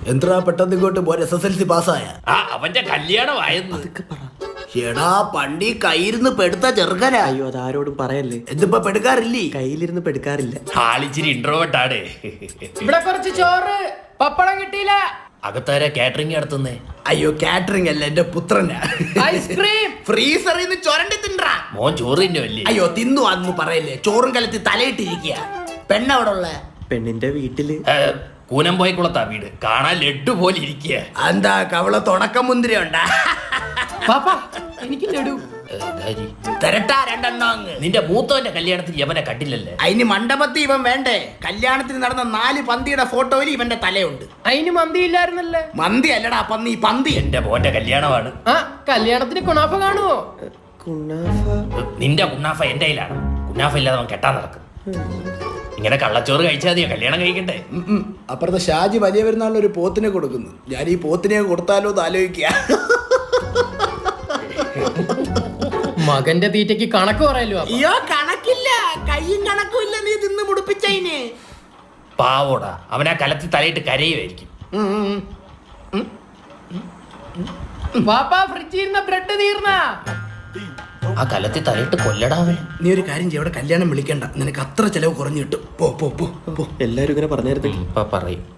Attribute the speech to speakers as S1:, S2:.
S1: എന്താ പെട്ടെന്ന് ഇങ്ങോട്ട് പോൻ SSLC പാസ്സായ?
S2: അവന്റെ കല്യാണമായിരുന്നു.
S1: എടാ പണ്ടി കയ്യിരുന്ന് പെടുത്ത ചെറുക്കനാ.
S3: അയ്യോ അതാരോടും പറയല്ലേ.
S1: എന്തിപ്പോ പെടുക്കാറില്ലേ?
S3: കയ്യിലിരുന്ന് പെടുക്കാറില്ല.
S2: ആളിച്ചിരി ഇൻട്രോവേർട്ടാണ്.
S4: ഇവിടെ കുറച്ച് ചോറ് പപ്പടം കിട്ടിയില്ല.
S2: അകത്താരെ കാറ്ററിംഗ് നടത്തുന്നേ?
S1: അയ്യോ കാറ്ററിംഗ് അല്ല, എന്റെ പുത്രനാ.
S4: ഐസ്ക്രീം
S1: ഫ്രീസറിൽ നിന്ന് ചൊരണ്ടി തിന്നാ.
S2: മോൻ ചോറ് തിന്നുമല്ലേ?
S1: അയ്യോ തിന്നു അന്ന് പറയല്ലേ, ചോറും കലത്തി തലയിട്ടിരിക്കുക. പെണ്ണവിടെ ഉള്ള?
S3: പെണ്ണിന്റെ വീട്ടില്.
S2: കൂനംപോയക്കുളത്താ വീട്. കാണാൻ ലഡ്ഡു പോലെ ഇരിക്കുക.
S1: എന്താ കവള തുടക്കം മുന്തിരി ഉണ്ടാ?
S4: പാപ്പ എനിക്ക് ലഡു
S1: തരട്ടാ രണ്ടെണ്ണം അങ്ങ്.
S2: നിന്റെ മൂത്തവന്റെ കല്യാണത്തിന് യവനെ കണ്ടില്ലല്ലേ?
S1: അതിന് മണ്ഡപത്തിൽ ഇവൻ വേണ്ടേ? കല്യാണത്തിന് നടന്ന 4 പന്തിയുടെ ഫോട്ടോയിൽ ഇവന്റെ തലയുണ്ട്.
S4: അതിന് മന്തി ഇല്ലായിരുന്നല്ലേ?
S1: മന്തി അല്ലടാ പന്നി, പന്തി.
S2: എന്റെ മോന്റെ കല്യാണമാണ്.
S4: ആ കല്യാണത്തിന് കുണാഫ കാണുവോ?
S3: കുണാഫ.
S2: നിന്റെ കുന്നാഫ എന്റെ കയ്യിലാണ്. കുന്നാഫ ഇല്ലാതെ അവൻ കെട്ടാൻ നടക്കും. ഇങ്ങനെ കള്ളച്ചോറ് കഴിച്ചാൽ മതിയോ കല്യാണം കഴിക്കണ്ടേ?
S1: അപ്പുറത്തെ ഷാജി വലിയ പെരുന്നാളിന് ഒരു പോത്തിനെ കൊടുക്കുന്നു. ഞാൻ ഈ പോത്തിനെ കൊടുത്താലോ എന്ന് ആലോചിക്കുക.
S4: മകന്റെ തീറ്റയ്ക്ക് കണക്ക് പറയല്ലോ.
S1: അയ്യോ കണക്കില്ല, കയ്യും കണക്കും ഇല്ല. നീ തിന്ന് മുടിപ്പിച്ചതിന്.
S2: പാവോടാ, അവനാ കലത്തി തലയിട്ട് കരയുമായിരിക്കും.
S4: പാപ്പ ഫ്രിഡ്ജിൽ ഇരുന്ന ബ്രെഡ് തീർന്ന.
S2: ആ കലത്തി തലയിട്ട് കൊല്ലടാവൻ.
S1: നീ ഒരു കാര്യം ചെയ്യ, അവിടെ കല്യാണം വിളിക്കണ്ട. നിനക്ക് അത്ര ചെലവ് കുറഞ്ഞു കിട്ടും. പോ പോ പോ പോ.
S3: എല്ലാരും ഇങ്ങനെ പറഞ്ഞായിരുന്നു.
S2: ഇപ്പൊ പറയും.